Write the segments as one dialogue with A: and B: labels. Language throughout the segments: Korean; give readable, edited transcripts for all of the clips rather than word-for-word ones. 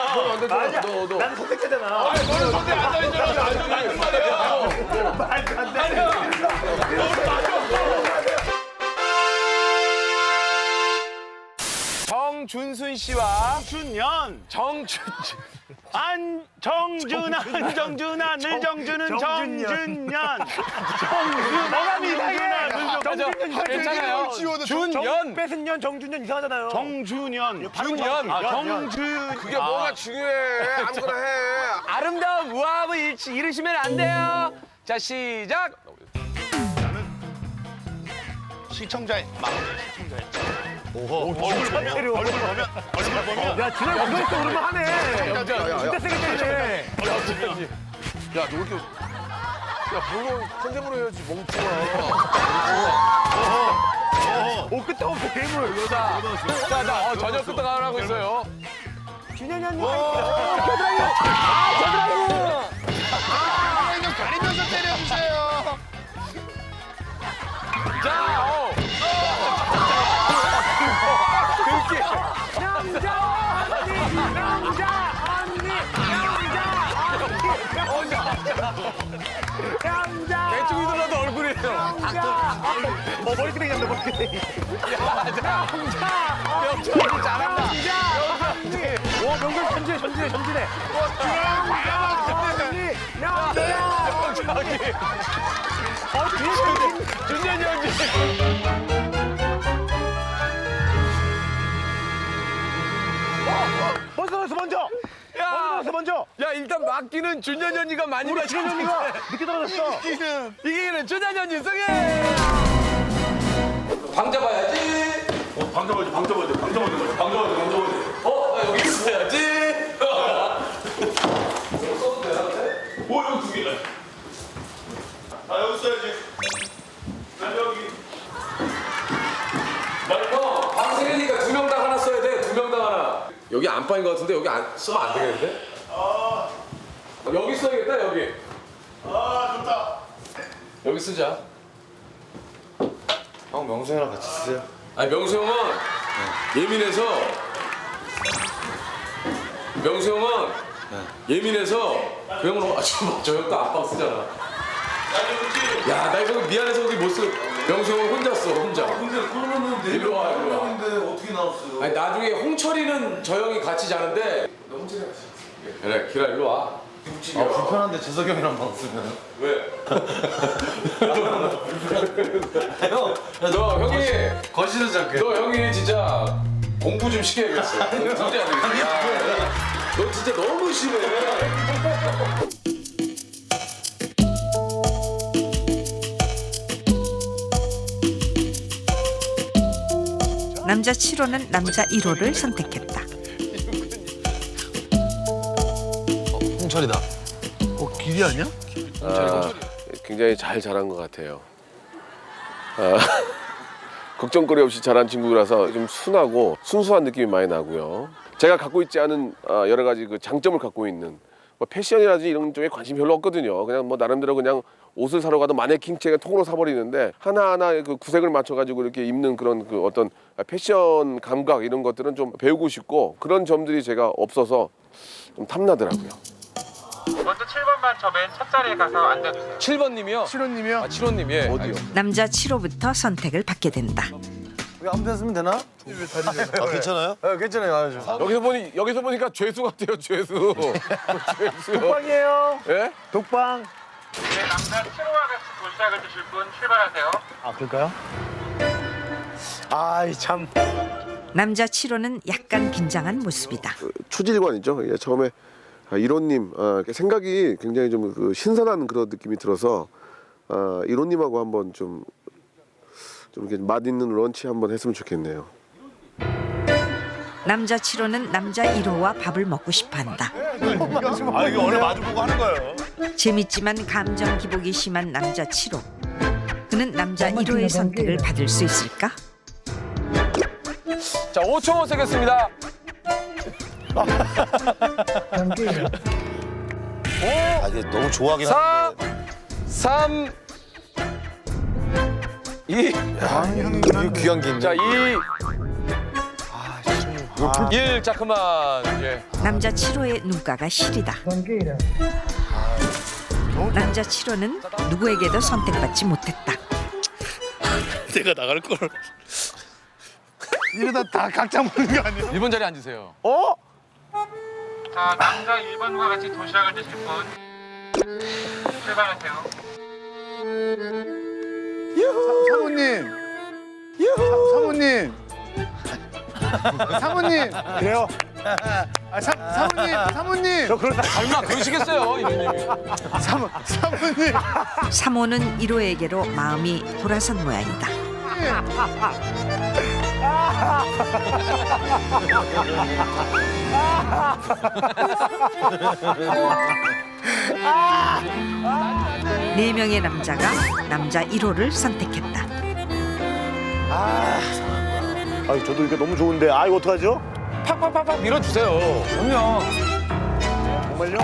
A: 아니야.
B: 너.
A: 난 선택자잖아.
B: 아니, 너는 선택 안 다니잖아. 아주 맞는 말이야.
A: 말도 안 돼.
C: 정준순 씨와
A: 준년.
C: 정준아, 늘 정준은 정준년.
A: 뭐가 이상해.
C: 정준년 괜찮아요. 준년.
A: 뺏은 년 정준년 이상하잖아요.
C: 정준년.
B: 그게 뭐가 중요해. 아무거나 해.
C: 아름다운 우아함을 잃으시면 안 돼요. 자, 시작.
D: 시청자의 마음.
A: 얼굴 보면. 야, 진짜 이거 있어 오르면 하네. 진짜 세게 때리네.
B: 야, 너 이렇게. 야, 물론 컨셉으로 해야지, 멍청아.
A: 오, 끄떡없어, 괴물.
C: 자, 저녁 부터 하라고 있어요.
A: 준현이 언니.
B: 이거 가리면서 때려주세요.
C: 자, 대충 이들어도 얼굴이에요.
A: 머리끄댕이 한다, 머리끄댕이.
C: 명철이 잘한다.
A: 와, 명절 전진해.
C: 준현이 형님.
A: 먼저.
C: 야, 일단 맡기는 준현이 언니가 많이
A: 우리
C: 맞췄는데.
A: 준현이가 늦게 떨어졌어.
C: 이기는 준현이 언니 승리. 방 잡아야지.
D: 방 잡아야 돼.
C: 나 여기 있어야지.
D: 오, 여기 두 개네. 아, 여기 있어야지. 난 여기.
C: 형, 방 생기니까 2명당 하나 써야 돼. 2명당 하나. 여기 안방인 것 같은데 여기 쓰면 안 되겠는데? 여기 써야겠다, 여기.
D: 아, 좋다.
C: 여기 쓰자.
B: 형, 명수 형이랑 같이 쓰세요.
C: 아니, 명수 형은 예민해서. 명수 형은 예민해서 그 형은 저 형도 안방 쓰잖아. 야, 나 이거 미안해서 여기 못 쓰. 명수 형은 혼자 써, 혼자.
D: 근데 그러면은
C: 일로 와, 일로 와.
D: 내려가는데 어떻게 나왔어요?
C: 아니, 나중에 홍철이는 저 형이 같이 자는데. 너 홍철이 같이 자. 그래, 기라 일로 와.
B: 불편한데 재석이 형이랑 방 쓰면.
C: 왜? 너 형이
B: 거실에서 잘게.
C: 너 형이 진짜 공부 좀 시켜야겠어. 도저히 안 되겠어. 야, 너 진짜 너무 심해.
E: 남자 7호는 남자 1호를 선택했다.
B: 홍철이다.
A: 길이 아니야?
B: 굉장히 잘 자란 것 같아요. 걱정거리 없이 자란 친구라서 좀 순하고 순수한 느낌이 많이 나고요. 제가 갖고 있지 않은 여러 가지 그 장점을 갖고 있는 뭐 패션이라든지 이런 쪽에 관심 별로 없거든요. 그냥 뭐 나름대로 그냥 옷을 사러 가도 마네킹 채가 통으로 사버리는데 하나하나 그 구색을 맞춰가지고 이렇게 입는 그런 그 어떤 패션 감각 이런 것들은 좀 배우고 싶고 그런 점들이 제가 없어서 좀 탐나더라고요.
F: 먼저 7번만 저 맨 첫 자리에 가서 앉아주세요.
C: 7번님이요?
A: 7호님이요?
C: 아, 7호님, 예. 어디요?
E: 남자 7호부터 선택을 받게 된다.
B: 여기 아무 데나 쓰면 되나? 아, 괜찮아요?
A: 네, 괜찮아요.
B: 여기서 보니까 죄수 같아요, 죄수. 죄수요.
A: 독방이에요.
B: 예?
A: 독방.
F: 네, 남자 7호와 같이 도시락을 드실 분 출발하세요.
A: 아, 그럴까요? 아이, 참.
E: 남자 7호는 약간 긴장한 모습이다.
B: 초질관이죠. 예, 처음에 이론님 생각이 굉장히 좀 그 신선한 그런 느낌이 들어서 이론님하고 한번 좀 이렇게 맛있는 런치 한번 했으면 좋겠네요.
E: 남자 7호는 남자 1호와 밥을 먹고 싶어한다.
D: 아, 이거 원래 마주보고 하는 거예요.
E: 재밌지만 감정 기복이 심한 남자 7호. 그는 남자 1호의 선택을 받을 수 있을까?
C: 자, 5초 세겠습니다. 5,
B: 이게 너무 좋아하긴
C: 4, 3, 2.
B: 이거 귀한 게 있네.
C: 자, 2. 자 그만. 예.
E: 남자 7호의 눈가가 시리다. 남자 7호는 누구에게도 선택받지 못했다.
D: 내가 나갈 걸.
A: 이러다 다 각자 먹는 거 아니야?
C: 1번 자리에 앉으세요.
A: 어?
F: 자, 남자 1번과 같이 도시락을 드실 분 출발하세요.
A: 사모님. 사모님. 사모님. 그래요? 사모님. 저 그러다
C: 얼마 그러시겠어요, 이모님이.
A: 사모님.
E: 3호는 1호에게로 마음이 돌아선 모양이다. 네 명의 남자가 남자 1호를 선택했다.
A: 아유, 저도 이거 너무 좋은데. 아, 이거 어떡하죠?
C: 팍팍팍팍 밀어주세요. 그럼요.
A: 정말요?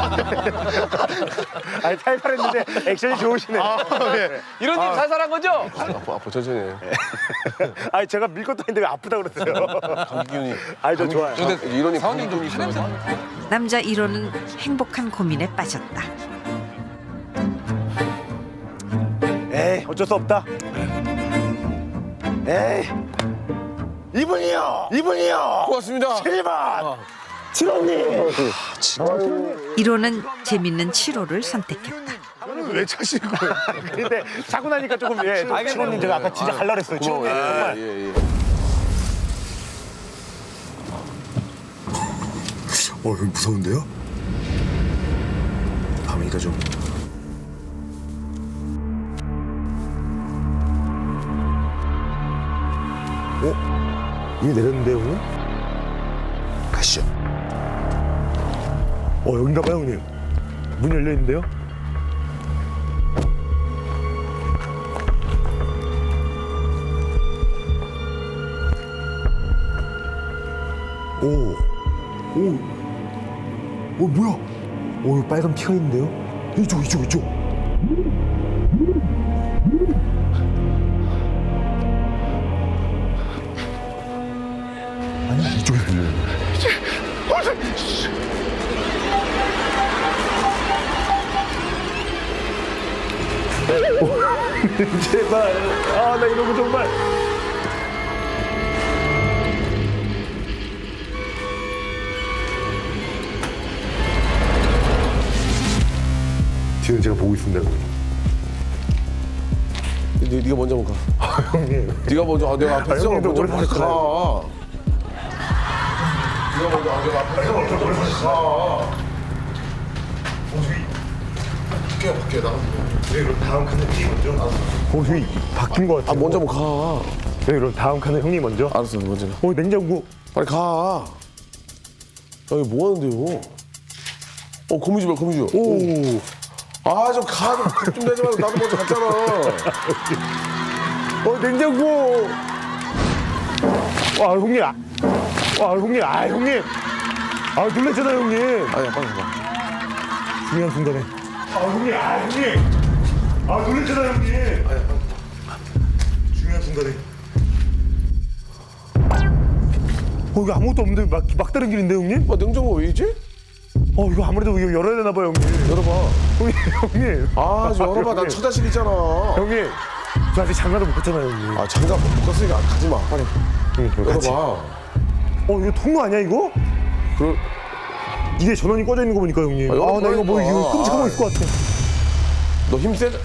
A: 아니, 탈탈했는데 액션이 좋으시네.
C: 이런님 살살한 거죠?
B: 아파 천천히 해.
A: 아니, 제가 밀 것도 아닌데 왜 아프다 그랬어요?
B: 감기 기운이.
A: 아니, 저 좋아요.
B: 이러니
C: 사원님도
B: 감기 기운이 있어.
E: 남자 1호는 행복한 고민에 빠졌다.
A: 에이, 어쩔 수 없다. 에이. 이분이요!
B: 고맙습니다.
A: 1번! 7호님!
E: 1호는 재밌는 7호를 선택했다.
A: 저는 왜 차시는 거예요? 근데 차고 나니까 조금, 예. 7호님 제가 아까 진짜 갈라 그랬어요. 7호님. 정말.
B: 예.
G: 여기 무서운데요? 밤이니까 좀.
A: 이미 내렸는데, 형님?
G: 가시죠.
A: 여긴가 봐요, 형님. 문 열려 있는데요?
G: 뭐야? 여기 빨간 피가 있는데요? 이쪽. 아니, 이쪽에 들려요.
A: 제발. 아, 나 이런 거 정말.
G: 뒤는 제가 보고 있습니다, 형님.
B: 네가 먼저 한번 가.
A: 형님.
B: 네가 먼저. 내가 앞에 있어.
A: 형님도
B: 먼저
A: 오래
B: 빨리
A: 사셨잖아요.
B: 가. 네가 먼저. 내가 앞에 있어. 먼저 빨리 가. 밖에 나가.
G: 네, 그럼 다음 칸은 형님 먼저.
A: 형님, 바뀐 거 같아요.
B: 먼저 한번 가.
A: 네, 그럼 다음 칸은 형님 먼저.
B: 알았어, 먼저 가.
A: 냉장고.
B: 빨리 가. 여기 뭐 하는데요? 거미줄.
A: 오.
B: 아, 좀 가. 좀 내지 말고 나도 먼저 갔잖아.
A: 냉장고. 와, 형님. 형님. 형님. 놀랬잖아요, 형님.
B: 아니야, 빨리 가.
A: 중요한 순간에. 형님. 형님. 놀랬잖아요, 형님.
G: 중요한 순간에.
A: 여기 아무것도 없는데 막다른 길인데, 형님?
B: 냉장고 왜 있지?
A: 이거 아무래도 이거 열어야 되나 봐요, 형님.
B: 열어봐.
A: 형님.
B: 아, 좀 열어봐. 난
A: 형님.
B: 처자식 있잖아.
A: 형님. 저 아직 장가도 못 갔잖아요, 형님.
B: 장갑 못 갔으니까 가지 마. 빨리
A: 형님, 저랑 같이.
B: 열어봐.
A: 이거 통로 아니야, 이거? 이게 전원이 꺼져 있는 거 보니까, 형님.
B: 열어봐,
A: 나 이거 뭐,
B: 이거.
A: 이거 끔찍한 거 있을 것 같아.
B: 너 힘 세다.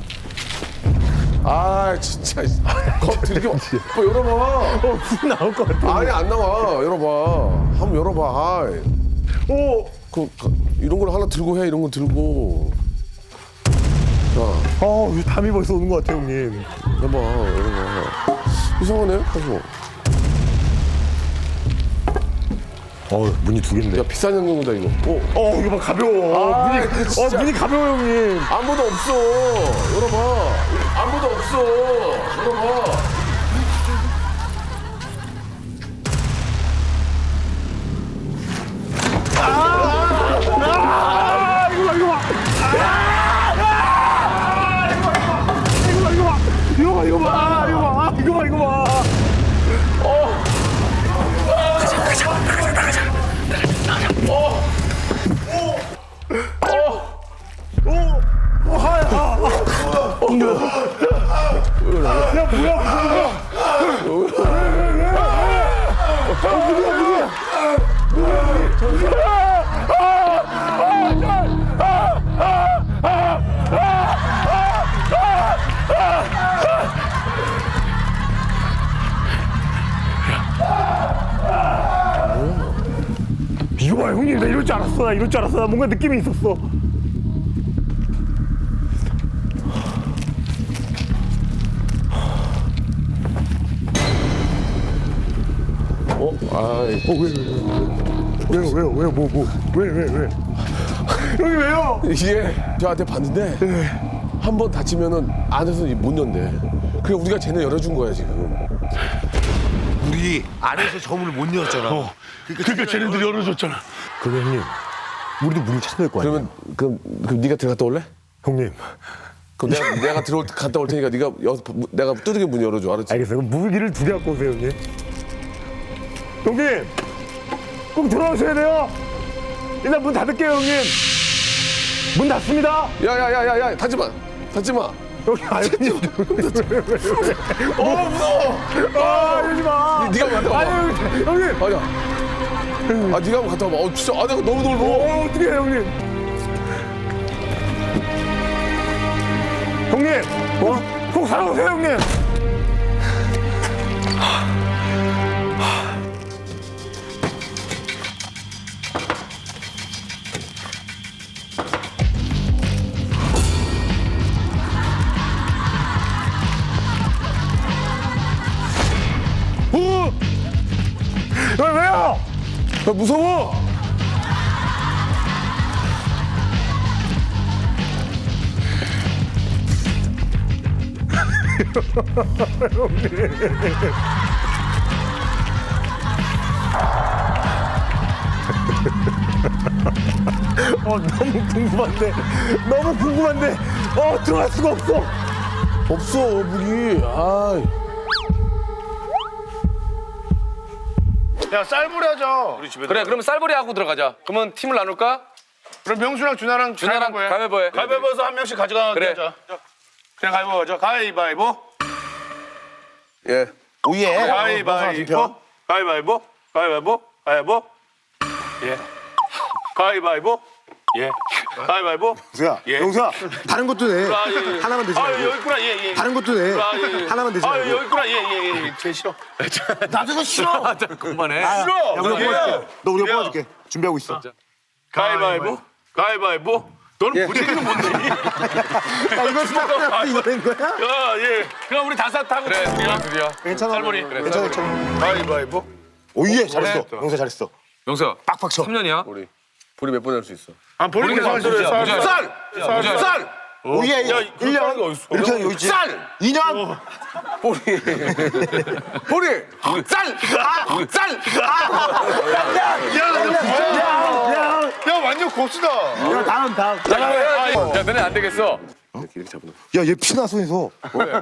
B: 아, 진짜. 들이켜. 열어봐.
A: 불 나올 것 같아.
B: 아니, 안 나와. 열어봐. 한번 열어봐. 이런 걸 하나 들고 해. 이런 거 들고. 자,
A: 이거 담이 벌써 오는 것 같아, 형님.
B: 해봐. 열어봐. 이상하네. 가지고.
A: 문이 두 개인데.
B: 야, 비싼 냉장고다 이거.
A: 이거 봐, 가벼워. 문이,
B: 진짜.
A: 문이 가벼워, 형님.
B: 아무도 없어. 열어봐. 아무도 없어. 열어봐.
A: 이거 봐. 이거 봐 형님 나 이럴 줄 알았어. 나 이럴 줄 알았어. 나 뭔가 느낌이 있었어. 왜요? 왜? 형님 왜요?
B: 이게 저한테 봤는데 한 번 다치면은 안에서 못 연대. 그래 우리가 쟤네 열어준 거야 지금.
H: 우리 안에서 저 문을 못 열었잖아.
A: 그러니까 쟤네들이 열어줬잖아.
G: 그럼 형님, 우리도 문을 찾아야 될 거 아니에요?
B: 그럼 네가 들어갔다 올래?
G: 형님,
B: 그럼 내가 갔다 올 테니까 네가 내가 두들겨 문 열어줘. 알았지?
G: 알겠어요. 그럼 무기를 2개 갖고 오세요, 형님. 형님, 꼭 들어오셔야 돼요. 일단 문 닫을게요, 형님. 문 닫습니다.
B: 야야야야야 닫지 마.
G: 여기 알겠지? 무서워. 이러지 마.
B: 네가 갔다 와봐.
G: 아니, 형님.
B: 아니야. 네가 한번 갔다 와봐. 진짜 내가 너무 놀고.
G: 어떻게 해요, 형님? 형님, 꼭 살아오세요, 형님. 왜요?
B: 야, 무서워.
G: 너무 궁금한데, 들어갈 수가 없어.
B: 없어 무기. 아.
A: 야 쌀불이 하자. 우리 집에.
C: 그래 그러면 쌀벌이 하고 들어가자. 그러면 팀을 나눌까?
A: 그럼 명수랑 준하랑
C: 준하랑 가위바위보 해.
A: 가위바위보에서 한 명씩 가져가게
C: 그래.
A: 하자. 그냥 가위바위보 하자. 가위바위보.
B: 예.
H: 오예.
A: 가위바위보. 가위바위보. 가위바위보. 가위바위보. 예. 가위바위보. 예. 가위바위보.
H: 영수야,
A: 예.
H: 영수야. 다른 것도 내.
A: 아, 예.
H: 하나만 되지
A: 아
H: 말고.
A: 여기 있구나. 예.
H: 다른 것도 내.
A: 아, 예.
H: 하나만 되지
A: 아
H: 말고.
A: 여기 있구나. 예. 제일 싫어.
H: 나도 그거 싫어.
C: 그만해.
A: 싫어.
H: 야, 우리가
A: 예.
H: 뽑아줄게. 너 우리가 뽑아줄게. 준비하고 있어.
A: 가위바위보. 가위바위보. 너는 부지기는 뭔데?
H: 야, 이거 스타트 이거 된 거야?
A: 야, 예. 그럼 우리 다섯 타고
C: 그래 둘이야.
H: 괜찮아.
A: 쌀머리.
H: 괜찮아, 괜찮아.
A: 가위바위보.
H: 오예, 잘했어. 영수 잘했어.
C: 영수야
H: 빡빡 쳐.
C: 3년이야?
B: 우리 몇 번 할 수 있어?
A: 아, 본인 계산
C: 무지야, 무지야.
A: 쌀.
H: 오예,
A: 야,
H: 1년.
A: 그렇게 하는 거 어딨어?
H: 이렇게 하는 거 있지?
A: 쌀.
H: 2년.
A: 야, 완전 고수다.
C: 야 너네 안 되겠어.
B: 이렇게 잡는.
H: 야, 얘 피나 손에서.
A: 뭐야?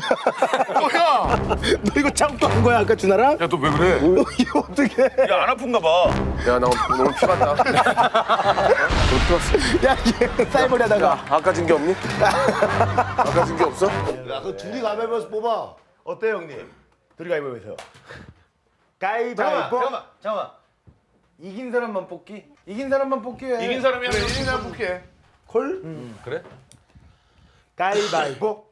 H: 너 이거 참고 한 거야, 아까 준하랑?
C: 야 너 왜 그래?
H: 이거 어떻게?
A: 야, 안 아픈가 봐.
B: 야, 나 오늘 피 갔다. 너 피 갔어.
H: 야, 얘 쌀머리 하다가.
B: 아까 진 게 없니? 아까 진 게 없어?
H: 야, 그 둘이 가위바위보에서 뽑아. 어때, 형님? 둘이 가위바위보에서. 가위바위보.
I: 잠깐만. 이긴 사람만 뽑기? 이긴 사람만 뽑기 해.
A: 이긴 사람이 한 명씩 뽑게.
H: 콜?
C: 그래?
H: 가위바위보.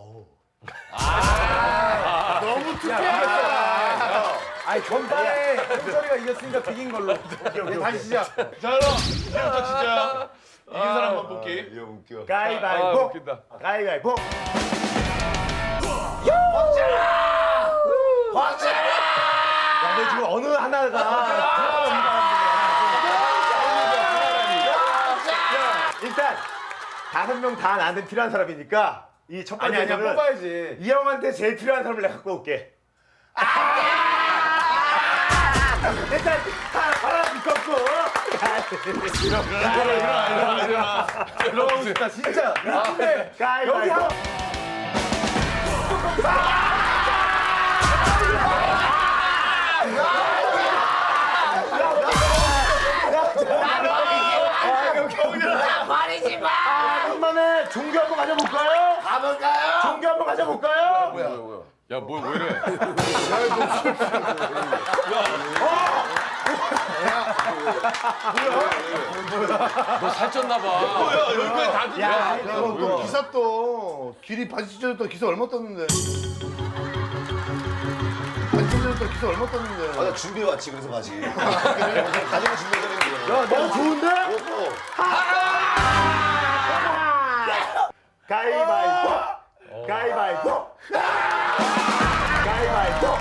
I: 아니 전반에 현철이가 이겼으니까 비긴 걸로. 오케이. 다시 시작.
A: 자, 그럼 이제부터 진짜 이긴 사람만 뽑기.
H: 가위바위보. 가위바위보. 야, 너 지금 어느 하나가. 일단 5명 다 나한테 필요한 사람이니까 이 첫 번째
I: 아니야 뽑아야지.
H: 이 형한테 제일 필요한 사람을 내가 갖고 올게. 일단 하나 묶었고.
I: 들어가고 싶다 진짜. 근데
H: 여기 한. 한번에 종교 한번 가져볼까요? 가볼까요? 종교 한번 가져볼까요?
B: 뭐야?
C: 야, 뭐 왜 이래? 너 살쪘나 봐.
D: 여기까지 다 듣냐?
H: 야, 또 기사 또 길이 바지 찢어졌던 기사 얼마 떴는데. 바지 찢어졌던 기사 얼마 떴는데.
A: 아, 나 준비해 왔지, 그래서 바지. 가지고 준비해드리는 거야.
H: 야, 너무 좋은데? 가위바위보. 가위바위보. 가위바위보.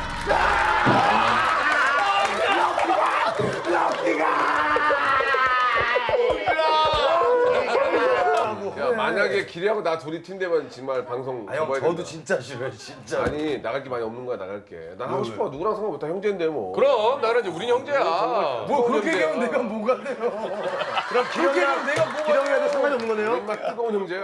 B: 야, 만약에 기리하고 나 둘이 팀 되면 정말 방송
A: 형,
B: 접어야
A: 저도
B: 된다.
A: 진짜 싫어요, 진짜.
B: 아니 나갈 게 많이 없는 거야 나갈게. 나 하고 싶어. 누구랑 상관없다. 형제인데 뭐.
C: 그럼 나는 이제 우린 형제야.
I: 뭐 그렇게 얘기하면 내가 뭐가 돼요?
H: 그럼 기령이랑 내가 뭐가 기령이랑도 상관이 없는 거네요?
B: 정말 뜨거운 형제야.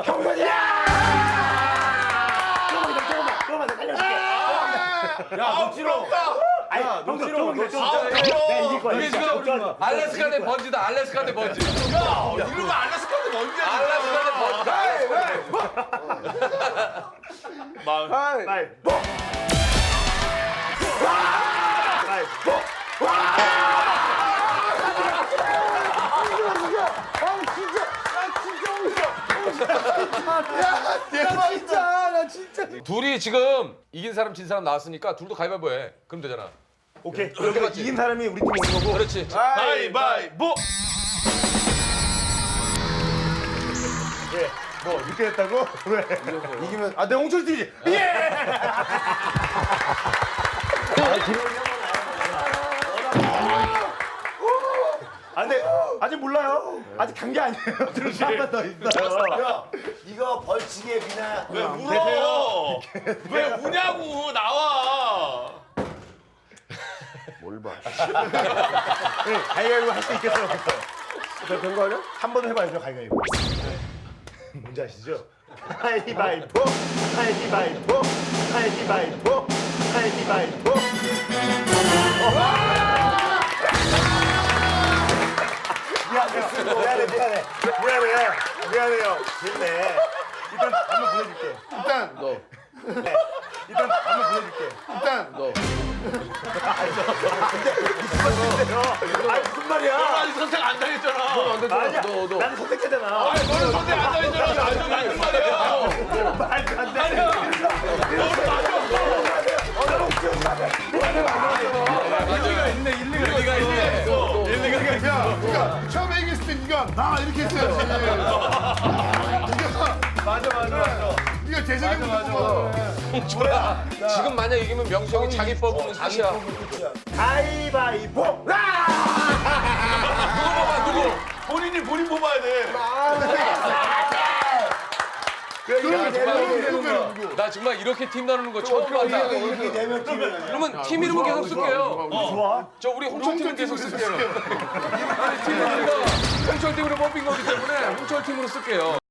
H: 야, 너 싫어. 아니, 너 싫어. 너 진짜 내가 이길 거야.
C: 이게 지금 알래스카 대 번지다. 알래스카 대 번지.
D: 이러면 알라스카도 뭔지
C: 알래스카 대 번지.
H: 가위바위보. 가위바위보.
C: 둘이 지금 이긴 사람 진 사람 나왔으니까 둘도 가위바위보 해. 그럼 되잖아.
H: 오케이. 그러니까 이긴 사람이 우리 팀 오는 거고.
C: 그렇지.
D: 가위바위보.
H: 예. 뭐 늦게 했다고? 왜? 이기면 아, 내 홍철 팀이지. 예. 아, 근데 아직 몰라요. 아직 간 게 아니에요. 한번 더 있어요.
A: 야, 이거 벌칙에 그냥.
D: 왜 울어? 왜 우냐고 나와.
B: 뭘 봐.
H: 가위바위보 할 수 있겠어요?
B: 된거 아니야?
H: 한 번 해봐야죠, 가위바위보. 뭔지 아시죠? 가위바위보, 가위바위보, 가위바위보, 가위바위보. 미안해요. 됐네. 일단 한번 보여줄게. 일단
B: 너.
H: 일단 한번 보여줄게. 일단
B: 너.
H: 아니 무슨 말이야?
D: 아니 선택 안 당했잖아.
B: 안 되잖아.
H: 아니야.
B: 너.
H: 나는 선택했잖아.
D: 아니 너는 선택 안 당했잖아. 나도 맞는 말이야.
H: 말도 안 돼. 그러니까 처음에 얘기했을 때 네가 나 이렇게 했어야지. 맞아. 네가 재정이 맞아.
C: 지금 만약 이기면 명수 형이 자기 뽑으면 끝이야.
H: 가위바위보.
C: 누구 뽑아 누구?
D: 본인 뽑아야 돼.
C: 나 정말 이렇게 팀 나누는 거 처음 봤다.
A: 이렇게 되면 팀이.
C: 그러면 팀 이름은 계속 쓸게요.
H: 좋아.
C: 저 우리 홍철 팀은 계속 쓸게요. 아니 팀 이름이 홍철 팀으로 뽑힌 거기 때문에 홍철 팀으로 쓸게요.